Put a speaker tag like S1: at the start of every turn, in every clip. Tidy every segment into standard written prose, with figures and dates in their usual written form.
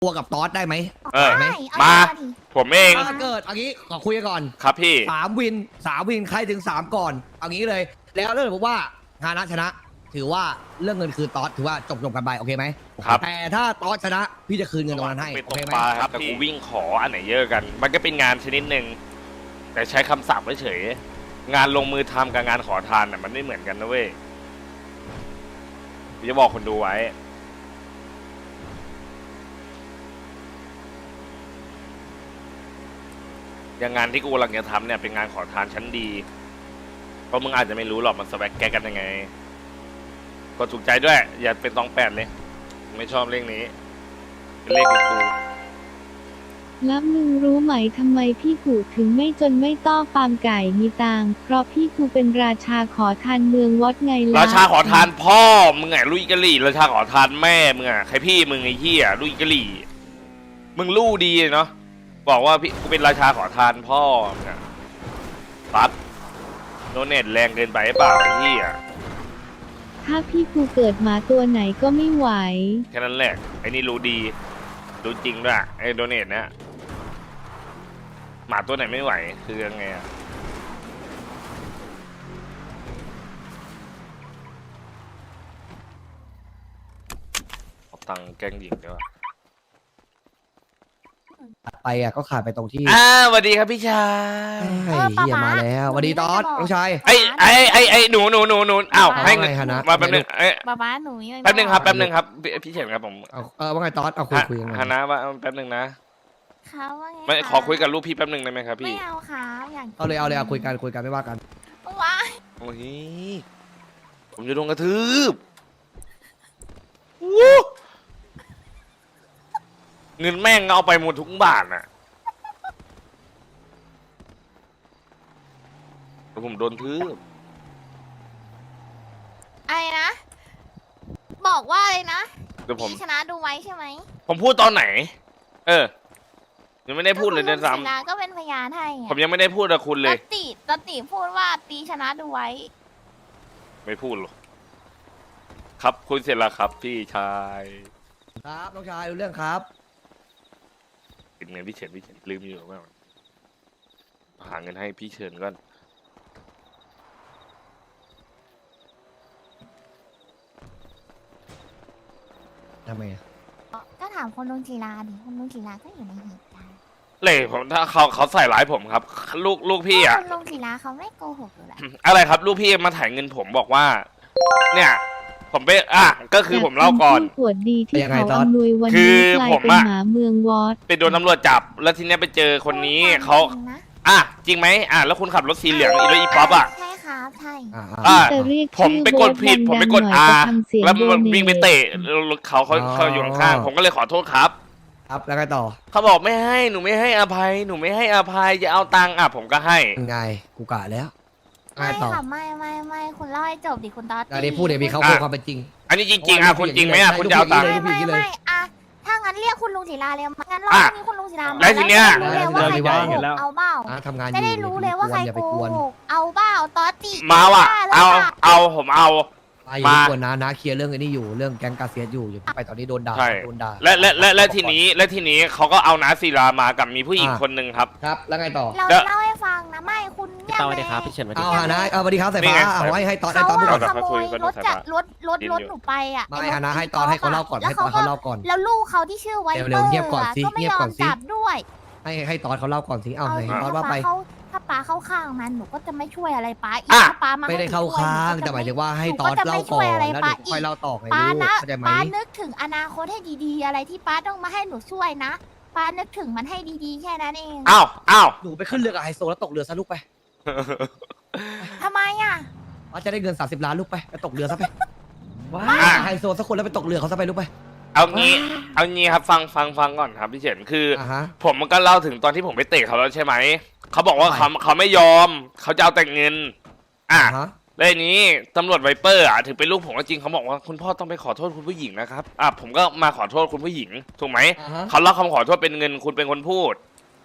S1: ตัวกับตอสได้ไหม
S2: ได้
S3: มา
S2: เอดิ
S3: ผมเอง
S1: ถ้าเกิดเอางี้ขอคุยกันก่อน
S3: ครับพี่
S1: 3 วินใครถึง 3 ก่อนเอางี้เลย แล้วเรื่องผมว่าฮานะชนะ ถือว่าเรื่องเงินคืนตอสถือว่าจบกันไปโอเคไหม
S3: ครับ
S1: แต่ถ้าตอสชนะพี่จะคืนเงินตรงนั้นให้
S3: เป็น
S1: โอ
S3: ตก
S1: เคไหม
S3: ปลาครับแต่กูวิ่งขออันไหนเยอะกัน มันก็เป็นงานชนิดหนึ่งแต่ใช้คำศัพท์เฉยๆงานลงมือทำกับงานขอทานน่ะมันไม่เหมือนกันนะเว้ยจะบอกคนดูไว้อย่างงานที่กูกำลังจะทำเนี่ยเป็นงานขอทานชั้นดีเพราะมึงอาจจะไม่รู้หรอกมันสแวกแกกันยังไงกดถูกใจด้วยอย่าเป็นตองแปดเลยไม่ชอบเลขนี้เป็นเลขของกู
S4: แล้วมึงรู้ไหมทำไมพี่กูถึงไม่จนไม่ต้อฟาร์มไก่มีตังค์เพราะพี่กูเป็นราชาขอทานเมืองวอดไงล่ะ
S3: ราชาขอทานพ่อมึงไงลุยกะหรี่ราชาขอทานแม่มึงอ่ะใครพี่มึงไอ้เหี้ยลุยกะหรี่มึงลู่ดีเนาะบอกว่าพี่กูเป็นราชาขอทานพ่อมึงอ่ะปั๊บโนเน็ตแรงเกินไปเปล่าไอ้เหี้ย
S4: ถ้าพี่กูเกิดหมาตัวไหนก็ไม่ไหว
S3: แค่นั้นแหละไอ้นี่รู้ดีรู้จริงด้วยไอ้โดเน็ตเนี่ยหมาตัวไหนไม่ไหวคือยังไงอะเอาตังค์แกล้งหญิงด้วย
S1: ไปอ่ะก็ขาดไปตรงที่
S3: สวัสดีครับพี่ชาย
S1: ไอ้เฮียมาแล้วสวัสดีตอสน้องชาย
S3: ไอ้หนูอ้าวให้เงิน
S1: ว่าไงฮะนะ
S3: มาแป๊บนึง
S2: บ้าหนูนี่
S3: แป๊บนึงครับพี่เฉินครับผม
S1: เอาว่าไงตอสเอาคุยกัน
S3: ฮานะว่าแป๊บนึงนะ
S2: เขาว่าไง
S3: ไม่ขอคุยกับลูกพี่แป๊บนึงได้ไหมครับ
S2: ไม่
S3: พี่
S2: เอาครับอย่าง
S1: เอาเลยคุยกันไม่ว่ากัน
S2: ว้า
S3: โอ้ยผมจะโดนกระทืบวู้เงินแม่งเอาไปหมดทุกบาทน่ะแล้วผมโดนทืบ
S2: อะไรนะ บอกว่าอะไรนะ
S3: เดี๋ยวผม
S2: พี่ชนะดูไว้ใช่ไหม
S3: ผมพูดตอนไหน ยังไม่ได้พูดเลยเดือนสาม
S2: ก็คุณลุงศิลาก็เป็นพยานให้ไง
S3: ผมยังไม่ได้พูดกับคุณเลย
S2: ตติพูดว่าตีชนะดูไว้
S3: ไม่พูดหรอกครับคุยเสร็จแล้วครับ พี่ชาย
S1: ครับน้องชายรู้เรื่องครับ
S3: ปิดเงินพี่เฉินลืมอยู่ว่าหาเงินให้พี่เฉินก่อน
S1: ทำไมอ่ะ
S2: ก็ถามคนลุงศิลาดิคนลุงศิลาก็อยู่ในเหตุการณ์
S3: เลยผมถ้าเขาใส่ร้ายผมครับ ลูกพี่อ่ะ
S2: คนลุงศิลาเขาไม่โกหกอยู่แล้ว
S3: อะไรครับลูกพี่มาถ่ายเงินผมบอกว่า เนี่ย ผมไปก็คือผมเล่าก่อน
S4: ปวดดีที่เขาอำนวยวัน
S3: คื
S4: นี้
S3: อก
S4: ลาย
S3: ผม
S4: เป็น
S3: อะ
S4: หมาเมืองวอด
S3: ไปโดนตำรวจจับ แล้วทีเนี้ยไปเจอคนนี้เขา จริงไหมแล้วคุณขับรถสีเหลืองอีป๊อปอ่ะ
S2: ใช่ครับใช่
S4: แต่เรียก
S3: ผมไปกดผิด ผมไปกด
S4: ดังๆหน่อย
S3: R
S4: จะทำเสียง
S3: แล้วมัน
S4: โดเนท
S3: วิ่งไปเตะเขาอยู่ข้างๆผมก็เลยขอโทษครับ
S1: ครับแล้วไงต่อ
S3: เขาบอกไม่ให้หนูไม่ให้อภัยหนูไม่ให้อภัยจะเอาตังค์ผมก็ให้
S1: ไงกูกะแล้วไง
S2: ไม่
S1: ต่อ
S2: ค่ะไม่คุณเล่าให้จบดิคุณตอต
S1: อันนี้พูดเดี๋ยวมีเขาคุยความเป็นจริง
S3: อันนี้จริงๆคุณจริงไหมคุณจะเอาตังค์
S2: ไม่อะถ้างั้นเรียกคุณลุงศิลาเลยงั้นรอบนี้คุณลุงศิลามา
S3: แล้วทีเนี้ย
S2: รู้เลยว่าใครโกหกเอาเบ้า
S1: ทำงานอยู่
S2: จะได้รู้เลยว่าใคร
S1: อย่า
S2: โก
S1: ไปกวน
S2: หกเอาเบ้าตอติ
S3: มาว่ะผมเอา
S1: อย่าไปกวนนะเคลียร์เรื่องไอ้นี่อยู่เรื่องแก๊งกาเซียสอยู่อย่าไปตอนนี้โดนด่า
S3: ใช่
S1: โดนด่า
S3: และทีนี้เขาก็เอานาศิลามากับมีผู้หญิงคนหนึ่งครับ
S1: ครับแล้วไงต่อ
S2: เราเล่าให้ฟังนะไม่คุณเงียบ
S5: สวัส
S2: เล
S5: ดี
S2: ย
S5: ครับพี่เฉินสวัสดี
S1: เอา
S5: ครับ
S1: ฮานะเอาสวัสดีครับสายฟ้า
S3: นี่ไง
S1: เอาให้ตอน
S2: เขา
S1: พูดก่อน
S2: ขโมยรถจากรถหนูไปอ่ะ
S1: ไม่ฮานะให้ตอนให้เขาเล่าก่อนให้ตอนเขาเล่าก่อน
S2: แล้วลูกเขาที่ชื่อไวเปอร์
S1: เร็วๆเงียบก่อนสิ
S2: ก็ไม่
S1: เงีย
S2: ย
S1: บ
S2: อ
S1: ก่อ
S2: ม
S1: นสิ
S2: จับด้วย
S1: ให้ตอนเขาเล่าก่อนสิเอาไหนตอนว่าไป
S2: ถ้าป้าเข้าข้างมันหนูก็จะไม่ช่วยอะไรป้าอีก
S3: อ่ะ
S2: ถ้าป้ามา
S1: ไม่ได้เข้าข้างแต่หมายถึงว่าให้ตอนเล่าก่อนแล้วเดี๋ยวค่อยเล่าต่อไง
S2: ป้า
S1: ลูก
S2: นะ
S1: เข้าใจไหม
S2: ป้านึกถึงอนาคตให้ดีๆ อะไรที่ป้าต้องมาให้หนูช่วยนะป้านึกถึงมันให้ดีๆแค่นั้นเอง
S3: อ้าว
S1: หนูไปขึ้นเรือกับไฮโซแล้วตกเรือซะลูกไป
S2: ทำไมอ่ะ
S1: ป้าจะได้เงิน30 ล้านลูกไปตกเรือซะไป
S5: ว้า
S1: ไฮโซสักคนแล้วไปตกเรือเขาซะไปลูกไป
S3: เอางี้ครับฟังก่อนครับพี่เฉินคือ
S1: อ่าฮะ
S3: ผมมันก็เล่าถึงตอนที่ผมไปเตะเขาแล้วใช่ไหมเขาบอกว่าเขาไม่ยอมเขาจะเอาแต่เงินแล้วทีนี้ตำรวจไวเปอร์ถึงเป็นลูกผมก็จริงเขาบอกว่าคุณพ่อต้องไปขอโทษคุณผู้หญิงนะครับผมก็มาขอโทษคุณผู้หญิงถูกไหมเขาเล่าคำขอโทษเป็นเงินคุณเป็นคนพูด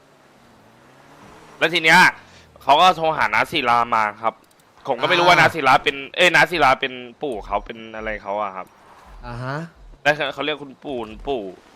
S3: แล้วทีเนี้ยเขาก็โทรหานาศิลามาครับผมก็ไม่รู้ว่านาศิลาเป็นนาศิลาเป็นปู่เขาเป็นอะไรเขาอะครับ
S1: อ่าฮะ
S3: แล้วเขาเรียกคุณปู่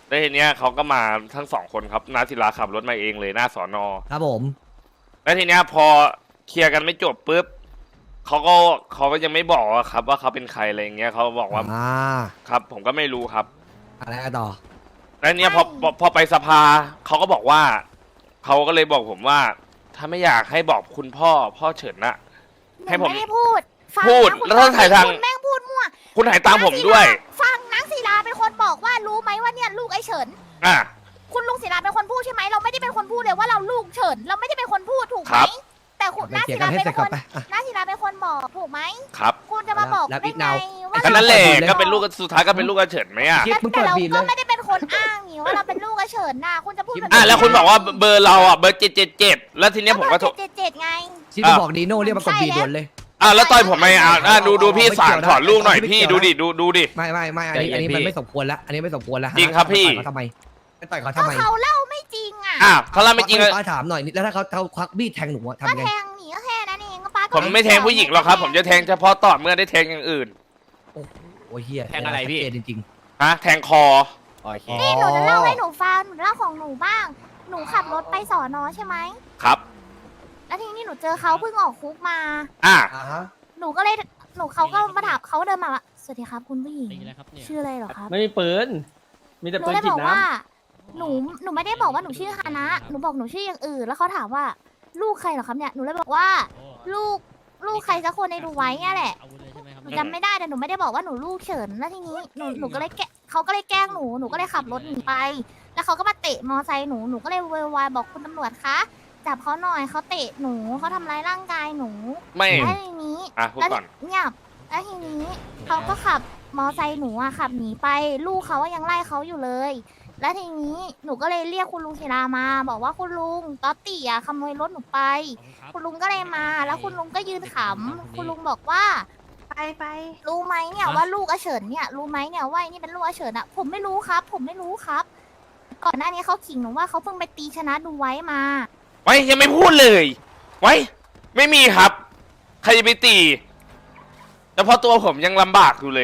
S3: แล้วทีเนี้ยเขาก็มาทั้ง2 คนครับนาศิลาขับรถมาเองเลยหน้าสอนอ
S1: ครับผม
S3: แล้วทีเนี้ยพอเคลียร์กันไม่จบปุ๊บเขาก็ยังไม่บอกอะครับ ว่าเขาเป็นใครอะไรอย่างเงี้ยเขาบอกว่าครับ ผมก็ไม่รู้ครับ
S1: อะไรต่อ
S3: แล้วเนี้ยพอไปสภาเขาก็บอกว่าเขาก็เลยบอกผมว่า ถ้าไม่อยากให้บอกคุณพ่อเฉินนะ
S2: หนู
S3: ให้ผม
S2: ไม่ได้พูดฟัง
S3: พูด
S2: นะคุณ
S3: แล้วถ้าถ่ายทาง
S2: คุณแม่งพูดมั่ว
S3: คุณถ่ายตามผมด้วย
S2: ฟังนางศิลาเป็นคนบอกว่ารู้ไหมว่าเนี่ยลูกไอ้เฉิน
S3: อ่ะ
S2: คุณลุงศิลาเป็นคนพูดใช่ไหมเราไม่ได้เป็นคนพูดเลยว่าเราลูกเฉินเราไม่ได้เป็นคนพูดถูกไห
S3: ครั
S2: ม
S3: บ
S2: แต่คุณ
S1: ไป
S2: นา
S1: เคลีย
S2: ศิ
S1: ร์กั
S2: ลาน
S1: ให้
S2: เป็น
S1: เสร็จ
S2: ค
S1: ก่อน
S2: น
S1: ไปอ่ะ
S2: นาศิลาเป็นคนบอกถูกไหม
S3: ครับ
S2: คุณจะมาบอก
S1: แล้ว
S2: ได้
S1: อีก
S2: ไง
S1: นาว
S2: ว่า
S3: ก็นั่นแหละ
S1: เปิดเลย
S3: ก็เป็นลูกสุดท้ายก็เป็นลูกกระเฉินไหมอ่ะ
S1: คลิปมึง
S2: แต่
S1: เปิด
S2: เรา
S1: บีบเล
S2: ก็
S1: ย
S2: ไม่ได้เป็นคนอ้างนี่ว่าเราเป็นลูกไอ้เฉินน่ะคุณจะพูดแบบ
S3: แล้วคุณบอกว่าเบอร์เราอ่ะเบอร์777แล้วทีเนี้ยผมก็โทร
S2: เจ็ดไง
S1: ชิปบอกดีโน่เรียกมากดบีด่วนเลย
S3: แล้วต่อยผมไหมดูพี่สารถอนลูกหน่อยพี่ดูดิ
S1: ไม่อันนี้มันไม่สมควรแล้วอันนี้ไม่สมควรแล้ว
S3: จริงครับพี่
S1: ทำไมไม่ต่อยเขา
S2: ก็
S1: ทำไม
S2: เขาเล่าไม่จริงอ่ะ
S3: ถ้าเราไม่จริง
S1: ป้าถามหน่อยแล้วถ้าเขาควักมีดแทงหนูอะ
S2: ก็
S1: ทำไง
S2: แทงหนีก็แค่นั้นเองก็ป้าก็
S3: ผมไม่แทงผู้หญิงหรอกครับ ผมจะแทงเฉพาะต่อเมื่อได้แทงอย่างอื่น
S1: โอ้ยเฮีย
S5: แทงอะไรพี่
S1: ชัดเจนจริง
S3: แทงคอ
S5: โอเค
S2: นี่หนูจะเล่าให้หนูฟังหนูเล่าของหนูบ้าง หนูขับรถไปสอนอใช่ไหม
S3: ครับ
S2: แล้วทีนี้หนูเจอเขาเพิ่งออกคุกมา
S3: อ่ะ
S1: ๆฮะ
S2: หนูก็เลยเขาก็มาถามเขาเดินมาว่าสวัสดีครับคุณผู้หญิง
S5: นี่นะครับเนี่ย
S2: ชื่ออะไรเหรอครับ
S6: ไม่มีปืน มีแต่
S2: หนู
S6: ปืน
S2: เลย
S6: ฉี
S2: บ
S6: ด
S2: อก
S6: น้
S2: ว่า หนูไม่ได้บอกว่าหนูชื่อฮานะ หนูบอกหนูชื่ออย่างอื่น แล้วเขาถามว่าลูกใครเหรอครับเนี่ย หนูเลยบอกว่า
S5: โอ้
S2: ลูกใครสักคนในดูไว้เนี่ยแหละ
S5: อาวุธเลยใช่ไหมครับ
S2: หนูจำไม่ได้แต่หนูไม่ได้บอกว่าหนูลูกเฉิน แล้วทีนี้หนูก็เลยเขาก็เลยแกล้งหนู หนูก็เลยขับรถหนีไป แล้วเขาก็มาเตะมอไซค์หนู หนูก็เลยโวยวายบอกคุณตำรวจคะ จับเขาหน่อยเขาเตะหนูเขาทำร้ายร่างกายหนู
S3: ไม่
S2: แล้วทีนี้
S3: พูดก่อน
S2: เงียบแล้วทีนี้เขาก็ขับมอไซค์หนูอะขับหนีไป ลูกเขาอะยังไล่เขาอยู่เลย แล้วทีนี้หนูก็เลยเรียกคุณลุงศิลามา บอกว่าคุณลุงต๊อตตี้อะขโมยรถหนูไป คุณลุงก็เลยมา แล้วคุณลุงก็ยืนขำคุณลุงบอกว่า ไปรู้ไหมเนี่ยว่าลูกอาเฉินเนี่ยรู้ไหมเนี่ยว่าไอ้นี่เป็นลูกอาเฉินอะผมไม่รู้ครับ ผมไม่รู้ครับ ก่อนหน้านี้เขาขิงหนูว่าเขาเพิ่งไปตีชนะดูไว้มา
S3: ไว้ยังไม่พูดเลย ไว้ ไม่มีครับ ใครจะไปตีแต่พอตัวผมยังลำบากอยู่เลย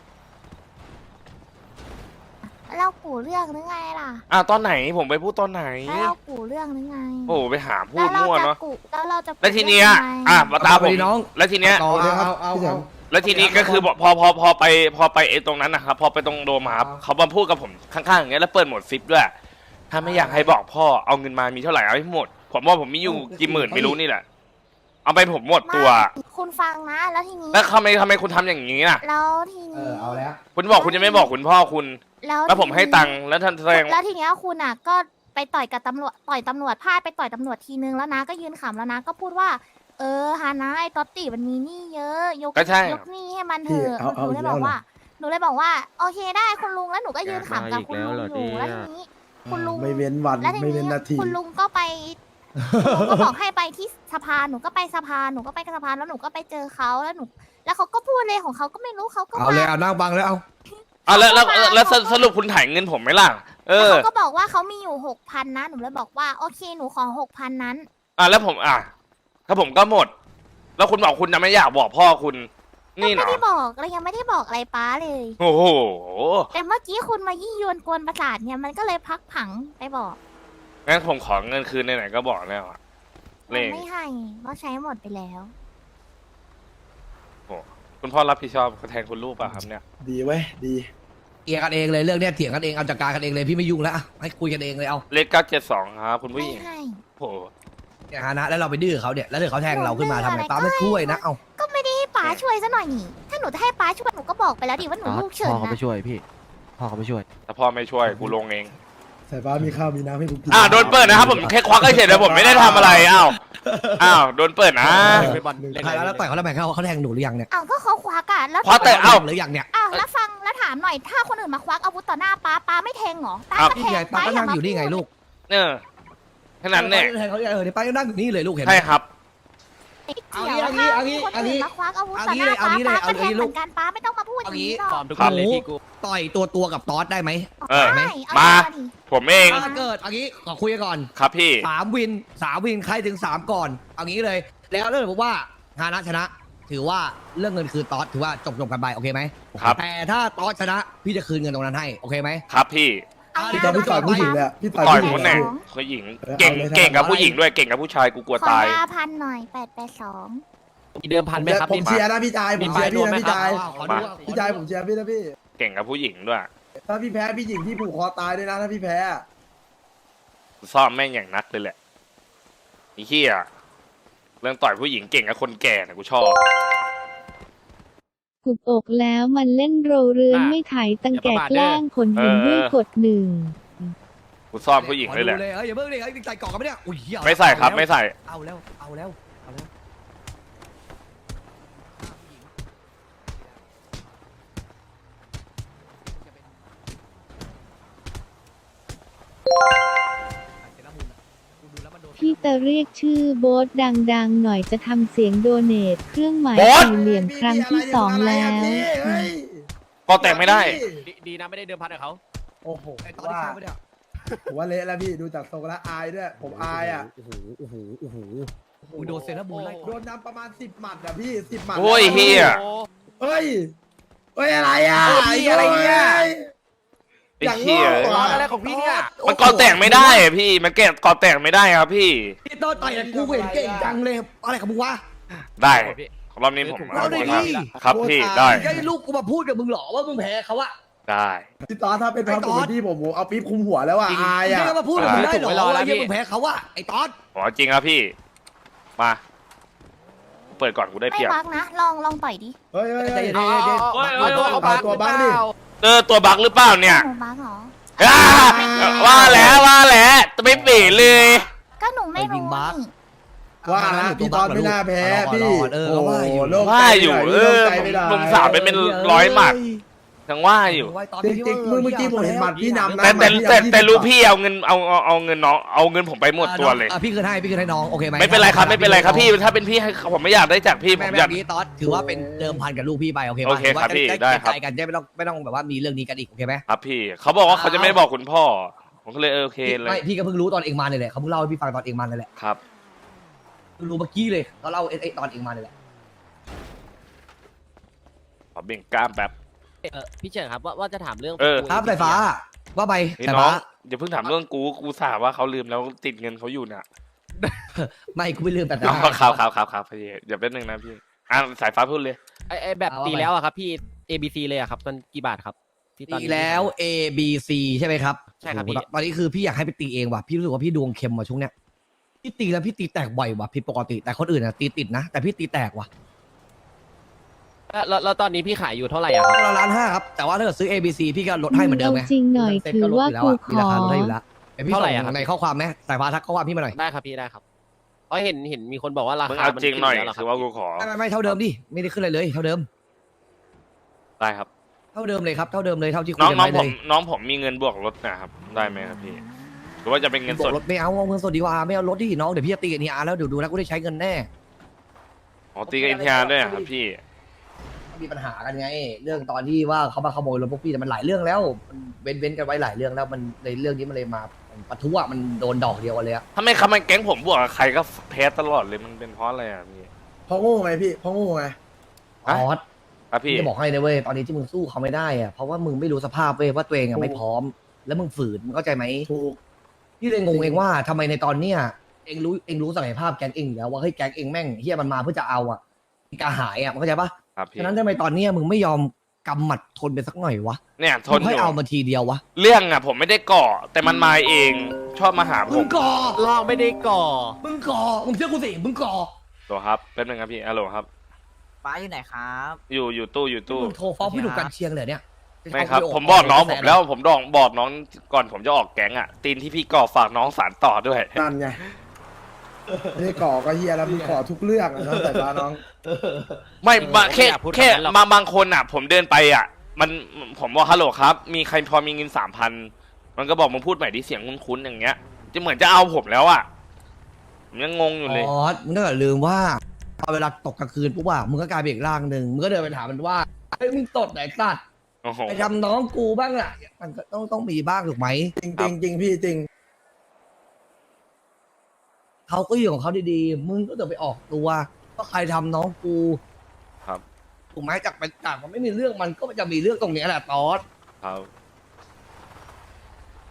S2: เรากูเรื่องหรือไงล่ะ
S3: ตอนไหนผมไปพูดตอนไหน
S2: แล้วเรากูเรื่องหรือไง
S3: โอ้ไปหาพูดมั่วเนาะ
S2: แล้วเราจะ
S3: แล้วทีเนี้ย
S2: กูเรื่องยังไง
S3: มาตามผม
S1: น้อง
S3: แล้วทีเนี้ย
S1: ต่อเลยครับเอา
S3: แล้วทีนี้ก็คือพอไปไอ้ตรงนั้นนะครับพอไปตรงโดมอะครับเขามาพูดกับผมข้างๆอย่างเงี้ยแล้วเปิดโหมดซิปด้วย ถ้าไม่อยากให้บอกพ่อเอาเงินมามีเท่าไหร่เอาให้หมด ผมว่าผมมีอยู่กี่หมื่นไม่รู้นี่แหละ เอาไปผมหมดตัว
S2: ไม่คุณฟังนะ แล้วทีนี้
S3: แล้วทำไมคุณทำอย่างนี้น่ะ
S2: แล้วทีนี้
S1: เอาแล้ว
S3: คุณบอกคุณจะไม่บอกคุณพ่อคุณ แล้วผมให้ตังค์แล้วท่านแสดง
S2: แล้วทีเนี้ยคุณอ่ะก็ไปต่อยกับตำรวจต่อยตำรวจพลาดไปต่อยตำรวจทีนึงแล้วนะก็ยืนขำแล้วนะก็พูดว่า ฮานะไอ้ต๊อตตี้มันมีหนี้เยอะยก
S3: ก็ใช่
S2: ยกหนี้ให้มันเถอะหนูเลยบอกว่าหนูเลยบอกว่าโอเคได้คุณลุงแล้วหนูก็ยืนขำกับคุณลุงอยู่แล้วทีนี้ คุณลุง
S7: ไม่เว้นวัน
S2: แล้วที
S7: ไม่เว้น
S2: นี้
S7: นาที
S2: คุณลุงก็ไปคุณลุงก็บอกให้ไปที่สภาหนูก็ไปสภาหนูก็ไปสภาแล้วหนูก็ไปเจอเขาแล้วหนู แล้วเขาก็พูดเลยของเขาก็ไม่รู้เขาก็
S1: เอาเลยเอานั่งบังแล้วเอา
S3: แล้วสรุปคุณถ่ายเงินผมไหมล่ะ
S2: แล้วเขาก็บอกว่าเขามีอยู่6,000นะหนูเลยบอกว่าโอเคหนูขอ6,000นั้น
S3: แล้วผมถ้าผมก็หมด แล้วคุณบอกคุณจะไม่อยากบอกพ่อคุณ นี่
S2: ไม่
S3: เนาะ
S2: ได้บอกเรายังไม่ได้บอกอะไรป้าเลย
S3: โอ้โห
S2: แต่เมื่อกี้คุณมายี่ยวนกวนประสาทเนี่ยมันก็เลยพักผังไปบอก
S3: งั้นผมขอเงินคืนไหนๆก็บอกแล้วอะ
S2: มันไม่ให้เพราะใช้หมดไปแล้ว
S3: คุณพ่อรับผิดชอบแทนคุณลูกป่ะครับเนี่ย
S7: ดีเว้ยดี
S1: เถียงกันเองเลยเรื่องเนี้ยเถียงกันเองเอาจัดการกันเองเลยพี่ไม่ยุ่งแล้วอะให้คุยกันเองเลยเอา
S3: เลข972ครับคุณผู้
S2: ไม่
S3: หญิง
S2: ให้
S3: โอ้โห
S1: เนี่ยฮานะแล้วเราไปดื้อเขาเนี่ยแล้วเดี๋ยวเขาแทงเราขึ้นมาทำไงป้าไม่ช่วยนะเอา
S2: ก็ไม่ได้ให้ป้าช่วยซะหน่อยนี่ถ้าหนูจะให้ป้าช่วยหนูก็บอกไปแล้วดิว่าหนูลูกเฉิน
S5: พ่อเขา
S2: นะ
S5: ไปช่วยพี่ พ่อเขาไปช่วย
S3: ถ้าพ่อไม่ช่วยกูลงเอง
S7: สายฟ้ามีข้าวมีน้ำให้กูกิน
S3: โดนเปิดนะครับผมแค่ควักเฉยๆแต่ผมไม่ได้ทำอะไรโดนเปิดนะ
S1: แล้วต่อยเขาแล้วแบ่งเขาแทงหนูหรือยังเนี่ย
S2: อ้าวก็เขาควักอะแล้ว
S3: ควักแต่
S1: หรือยังเนี่ย
S2: อ้าวแล้วฟังแล้วถามหน่อยถ้าคนอื่นมาควักอาวุธต่อหน้าป้าไม่แทงเหรอป้า
S3: อ้าว
S2: ก็
S1: นี่
S2: แท
S1: ไง
S2: ง
S1: ป้าก็นั่งอยู่นี่ไงลูก
S3: แค่นั้นเนี่ย
S1: แทงเขาเนี่ยเนี่ยป้าก็นั่งอยู่นี่เลยลูกเห็นไหม
S3: ใช่ครับ
S2: เกี่ยวถ้ามีคนอื่นมาควักอาวุธต่อหน้าป้าป้าก็แทงเหมือนกันป้าไม่ต้องมาพูดอย่างนี้หรอก
S5: ทุกคนเลยพี่กู
S1: ต่อยตัวกับตอสได้ไหม
S2: ได้
S3: มา
S2: ดิ
S3: ผมเอง
S1: ถ้าเกิดเอางี้ขอคุยกันก่อน
S3: ครับพี่
S1: 3 วินใครถึง3ก่อนเอางี้เลย แล้วเรื่องผมว่าฮานะชนะ ถือว่าเรื่องเงินคือตอสถือว่าจบกันไปโอเคไหม
S3: ครับ
S1: แต่ถ้าตอสชนะพี่จะคืนเงินตรงนั้นให้โอเคไหม
S3: ครับพี่
S2: เอา
S7: พี่ตอนพี่ต่อยผู้หญิงเลยอะพี่ต่อย
S3: ต่อย
S7: ผู้หญิ
S3: ค
S7: ง
S3: นไหน
S7: เลย
S3: ผู้หญิง
S7: เออ
S3: เก่ง
S7: เอาเลย
S3: เก่งกับ
S7: ทำ
S3: ผู้หญิงด้วยเก่งกับผู้ชายกูกลัว
S2: ขอ
S3: ตาย
S2: 5,000หน่อย882
S5: มีเดิมพันไหมครับ
S7: ผมเชียร์นะพี่ชายผมเชียร์พี่นะพี่ชาย
S1: ขอดู
S7: พี่ชายผมเชียร์พี่นะพี่
S3: เก่งกับผู้หญิงด้วย
S7: ถ้าพี่แพ้พี่หญิงพี่ผูกคอตายด้วยนะถ้าพี่แพ้อะ
S3: ซ่อมแม่งอย่างนักเลยแหละไอ้เหี้ยเรื่องต่อยผู้หญิงเก่งกับคนแก่นะกูชอบ
S4: กุบอกแล้วมันเล่นโรเรือนไม่ไถตังแกแกล้งขนหินด้วยกดหนึ่ง
S3: กูซ่อมผู้หญิงเลยแหละ
S1: ขอดูอย่าเพิ่งเลยใส่กล่องกันไหมเนี่ยอุ้ยเหี้ย
S3: ไม่ใส่ครับไม่ใส่
S1: เอาแล้ว
S4: พี่จะเรียกชื่อโบ๊ทดังๆหน่อยจะทำเสียงโดเนทเครื่องหมาย
S3: โบ๊ท
S4: สี่เหลี่ยมครั้งที่สองแล้ว
S7: เฮ้ย
S3: ก็แต่งไม่ได้
S5: ดีนะไม่ได้เดิมพันกับเขา
S7: โอ้โห
S1: ไอ้ตอนที่
S7: ว่า
S1: ข้ามไปเนี่ย
S7: ผมว่าเละแล้วพี่ดูจากทรงแล้วอายด้วยผมอายอ่ะ
S1: โอ้โหโดนเซราบูนไล่
S7: โดนนำประมาณ10 หมัดอ่ะพี่10 หมัด
S3: โอ้ยเฮีย
S7: เฮ้ยอะไรอ่ะ
S5: อะไรเนี่ย
S3: ไอ้เหี้ย
S5: ตอนอะไรของพี่เนี่ย
S3: มันก็แต่งไม่ได้อะพี่มันแกะก็แต่งไม่ได้ครับพี่
S1: พี่ต้นต่อยกับกูเห็นเก่งจังเลยอะไรของมึงวะ
S3: ได้รอบนี้ผม
S1: เอาได้ดิ
S3: ครับพี่ได้
S1: ไอ้ลูกกูมาพูดกับมึงเหรอว่ามึงแพ้เขาอะ
S3: ได้
S7: พี่ตอนถ้าเป็นความผมเป็นพี่ผมเอาปี๊บคุมหัวแล้วอ่ะอาย
S1: มึง
S7: อ่ะ
S1: จะมาพูดกับมึงได้เหรอว่ามึงแพ้เขาอะไอ้ตอน
S3: ผมเอาจริงครับพี่ มา เปิดก่อนกูได้
S2: ไม่
S3: เปรียบ
S2: บักนะ ลองต่อยดิ
S7: เฮ้ยเฮ้ย
S1: ใจ
S7: เฮ้ย
S1: เย็น
S7: เอาตัวบ้างดิ
S3: ตัวบั๊กหรือเปล่าเนี่ย
S2: หนูบักเหรอ
S3: อ่าว่าแล้วจะไม่เปลี่ยนเลย
S2: ก็หนูไม่รู้นี่
S7: ว่านะพี่ตอนไม่น่าแพ้พี่
S1: เออว่าอยู่
S7: โล่ง
S3: ว่า
S7: ใจ
S3: อยู่
S7: หน่
S3: เออ
S7: โล่งใจไม่ได้
S3: หนุ่มสาวเป็นร้อยหมัดยังว่าอยู่
S7: จริงๆเมื่อกี้ผมเห็นหมัดพี่นำนะ
S3: แต่รู้พี่เอาเงินเอาเงินน้องเอาเงินผมไปหมดตัวเลย
S1: พี่คืนให้น้องโอเคไหม
S3: ไม่เป็นไรครับไม่เป็นไรครับพี่ถ้าเป็นพี่ให้ผมไม่อยากได้จากพี่ผ
S1: แม่
S3: ม
S1: แม่
S3: อยาก
S1: นี้ตอสถือว่าเป็นเดิมพันกับลูกพี่ไปโอเค
S3: โอเคครับพี่ได้ครับ
S1: ใจกันจะไม่ต้องแบบว่ามีเรื่องนี้กันอีกโอเคไหม
S3: ครับพี่เขาบอกว่าเขาจะไม่บอกคุณพ่อผมก็เลยโอเคเลย
S1: ไม่พี่ก็เพิ่งรู้ตอนเองมาเลยแหละเขาเพิ่งเล่าให้พี่ฟังตอนเองมาเลยแหละ
S3: ครับ
S1: รู้เมื่อกี้เลยเขาเล่าไอ้ตอนเองมาเลยแหละ
S3: ขอเบ่งกล้ามแป๊บ
S5: พี่เฉินครับว่าจะถามเรื่อง
S3: เออ
S1: ครับสายฟ้าว่าไป
S3: นี่
S1: สาย
S3: น้อ
S1: ฟ้าง
S3: อย่าเพิ่งถามเรื่องกูสาว่าเขาลืมแล้วติดเงินเขาอยู่เนี่ย
S1: ไม่กูไม่ลืมแต่
S3: น้องครับพี่อย่าเป็นหนึ่งนะพี่สายฟ้าพูดเลย
S5: ไอ้แบบตีแล้วอะครับพี่ ABC เลยอะครับมันกี่บาทครับที่ตอน
S1: ตี
S5: นี้
S1: แล้ว A B C ใช่ไหมครับ
S5: ใช่ครับพี่
S1: ตอนนี้คือพี่อยากให้ไปตีเองว่ะพี่รู้สึกว่าพี่ดวงเค็มว่ะช่วงเนี้ยพี่ตีแล้วพี่ตีแตกบ่อยว่ะผิดปกติแต่คนอื่นอ่ะตีติดนะแต่พี่ตีแตกว่ะ
S5: แล้วตอนนี้พี่ขายอยู่เท่าไหร่อะครับ
S1: เรา1,500,000ครับแต่ว่าถ้าเกิดซื้อ A B C พี่ก็ลดให้เหมือนเดิมไง
S4: จริงหน่อยถือว่ากูข
S1: มีรา
S4: อ
S1: คาลดให้อยู่แล้วเดี๋ยวพี่
S5: เท่าไหร่
S1: ส่
S5: อะครับ
S1: งในข้อความไหมสายฟ้าทักข้อความพี่มาหน่อย
S5: ได้ครับพี่ได้ครับเพราะเห็นมีคนบอกว่ารา
S3: มึง
S5: คา
S3: เอา
S5: มัน
S3: จริงหน่อย
S5: ขึ้แล้วเหร
S3: คือว่ากูขอ
S1: ไม่เท่าเดิมดิไม่ได้ขึ้นอะไรเลยเท่าเดิม
S3: ได้ครับ
S1: เท่าเดิมเลยครับเท่าเดิมเลยเท่าที่คุ
S3: น้
S1: ย
S3: อง
S1: กัน
S3: น้อง
S1: ไว้
S3: ผ
S1: เล
S3: ม
S1: ย
S3: น้องผมมีเงินบวกรถนะครับได้ไหมครับพี่หรือว่าจะเป็นเงิน
S1: บ
S3: ส
S1: อ
S3: ด
S1: กรถไม่เอาเงินสดดีกว่าไม่เอารถดิน้องเดี๋ยวพี่จะตีกันนี่แล้วเดี๋ยวดูแล้วกูได้ใช้เงินแน่
S3: อ๋อตีกับอินเทียด้วยเหรอครับพี่
S1: มีปัญหากันไง เรื่องตอนที่ว่าเขามาขโมยรถพวกพี่แต่มันหลายเรื่องแล้วมันเว้นกันไว้หลายเรื่องแล้วมันในเรื่องนี้มันเลยมาปะทุอะมันโดนดอกเดียวกันเลยอะ
S3: ถ้าไม่แก๊งผมบวกกับใครก็แพ้ตลอดเลยมันเป็นเพราะอะไรอ่ะพี่
S7: เพราะโง่ไงพี่เพราะโง่ไง
S1: ออส
S3: ครับพี่
S1: จะบอกให้นะเว้ยตอนนี้ที่มึงสู้เขาไม่ได้อะเพราะว่ามึงไม่รู้สภาพเว้ยว่าตัวเองอะไม่พร้อม แล้วมึงฝืนมึงเข้าใจไหม
S7: ถูก
S1: พี่เลยงงเองว่าทำไมในตอนเนี้ยเองรู้ศักยภาพแก๊งเองอยู่แล้วว่าเฮ้ยแก๊งเองแม่งเฮียมันมาเพื่อจะเอาอะกระหายอะมันเข้าใจปะ
S3: ครับพี่
S1: ฉะนั้นทำไมตอนเนี้ยมึงไม่ยอมกำหมัดทนไปสักหน่อยวะ
S3: เนี่ยท
S1: มึ
S3: น
S1: ง
S3: อ
S1: ให้
S3: ยู่
S1: เอามาทีเดียววะ
S3: เรื่องอ่ะผมไม่ได้ก่อแต่มันมาเองชอบมาหาผ
S1: มึ
S3: ม
S1: งก่อ
S5: ลองไม่ได้ก่อ
S1: มึงก่อมึงเชื่อกูสิมึงก่อ
S3: ตัวครับแป๊บนึงครับพี่ฮัลโหลครับ
S6: ป้าอยู่ไหนครับ
S3: อยู่ตู้
S1: มึงโทรฟ้องพี่หนุ่มกันเชียงเลยเนี่ย
S3: ไม่ครับ ผมบอกน้องผมแล้วผมบอกน้องก่อนผมจะออกแก๊งอ่ะตีนที่พี่ก่อฝากน้องสารต่อด้วย
S7: นั่นไงไม่ได้ก่อก็เฮียแล้วมึงก่อทุกเรื่องอะน้องแต่ตาน้อง
S3: ไม่บาง
S5: ผมไม่
S3: แค่
S5: อยากพูด
S3: แค่
S5: แบบนั้นหรอก
S3: บางคนอ่ะ ผมเดินไปอ่ะ มันผมบอกฮัลโหลครับ มีใครพอมีเงิน3,000มันก็บอกมึงพูดใหม่ดิเสียงคุ้นๆอย่างเงี้ยจะเหมือนจะเอาผมแล้วอ่ะผมยังงงอยู่เลย
S1: อ๋อมึงก็อย่าลืมว่าพอเวลาตกกลางคืนปุ๊บว่ามึงก็กลายเป็นอีกร่างหนึ่งมึงก็เดินไปถามมันว่าเฮ้ยมึงตดไหนสัตว์
S3: โอ้โห
S1: ไปทำน้องกูบ้างอ่ะมันก็ต้องมีบ้างถูกไหม
S7: จริงจริงพี่จริง
S1: เขาก็อยู่ของเขาดีๆมึงก็ต้องไปออกตัวว่าใครทำน้องกู
S3: ครับ
S1: ถูกไหมจากมันไม่มีเรื่องมันก็จะมีเรื่องตรงเนี้ยแหละตอส
S3: ครับ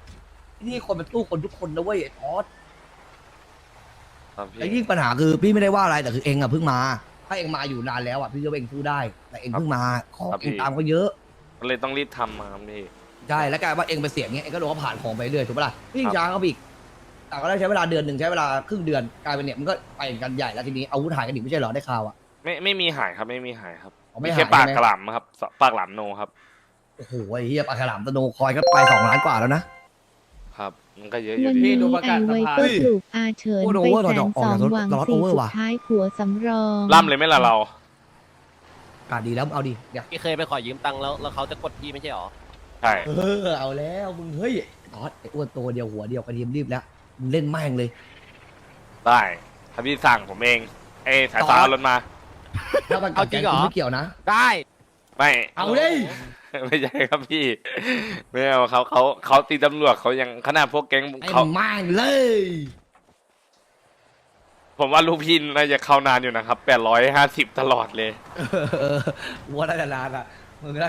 S1: นี่คนมันสู้คนทุกคนนะเว้ยไอ้ทอส
S3: ครับพี่
S1: แต่ยิ่งปัญหาคือพี่ไม่ได้ว่าอะไรแต่คือเองอะเพิ่งมาถ้าเองมาอยู่นานแล้วอะพี่ก็ว่าเองสู้ได้ แต่เองเพิ่งมาของเองตามเขาเยอะ
S3: ก็เลยต้องรีบทำมาครับพี่
S1: ใช่แล้วกลายว่าเองไปเสี่ยงเงี้ยเองก็โดนเขาผ่านของไปเรื่อยถูกปะล่ะพี่
S3: ครับ
S1: ช้าเขาไปอีกแต่ก็ได้ใช้เวลาเดือนหนึ่งใช้เวลาครึ่งเดือนกลายเป็นเนี่ยมันก็ไปกันใหญ่แล้วทีนี้อาวุธหายกันอีกไม่ใช่เหรอได้ข่าวอะ
S3: ไม่มีหายครับไม่มีหายครับ
S1: อ๋อไม่
S3: มี
S1: หาย
S3: แค่ปาก
S1: ใช่ไหม
S3: กระหล่ำครับปากหล่ำโนครับ
S1: โอ้โหไอ้เฮียปลาฉลามตะโนคอยก็ไป2 ล้านกว่าแล้วนะ
S3: มันก็เยอะอยู่
S4: วัน
S3: ดี
S4: นี้ไอไวเปอร์ปลูกอาเฉิน
S1: โอ้โห
S4: ไป
S1: โอเวอร์
S4: แสน
S1: ออก
S4: สอ
S1: จาง ก
S4: หวัง
S1: รถ
S4: สี่
S1: โอเวอร์
S4: สุด
S1: ว่ะ
S4: ท้ายผัวสำรอง
S3: ล่ำเลยไหมล่ะเรา
S1: กาดดีแล้วเอาดิเดี๋ยว
S5: พี่เคยไปขอยืมตังค์แล้วเขาจะกดพี่ไม่ใช่หรอ
S3: ใช่
S1: เอาแล้วมึงเฮ้ยทอสไอ้อ้วนตัวเดียวหัวเดียวกระเทียมรีบแล้วมึงเล่นแม่งเลย
S3: ได้ถ้าพี่สั่งผมเองสายฟ้า
S1: ต่อ
S3: เอารถมา
S1: ถ้ามัน
S5: เอาจริงเหรอ
S1: ไม่เกี่ยวนะ
S5: ได้
S3: ไม่
S1: เอาเลย
S3: ไม่ใช่ครับพี่ไม่เอาเขาตีตำรวจเขายังขนาดพวกแก๊ง
S1: ไอ้
S3: เขา
S1: แม่งเลย
S3: ผมว่าลูกพี่น่าจะเข้านานอยู่นะครับ850ตลอดเลย
S1: วัวได้นานๆอ่ะมึง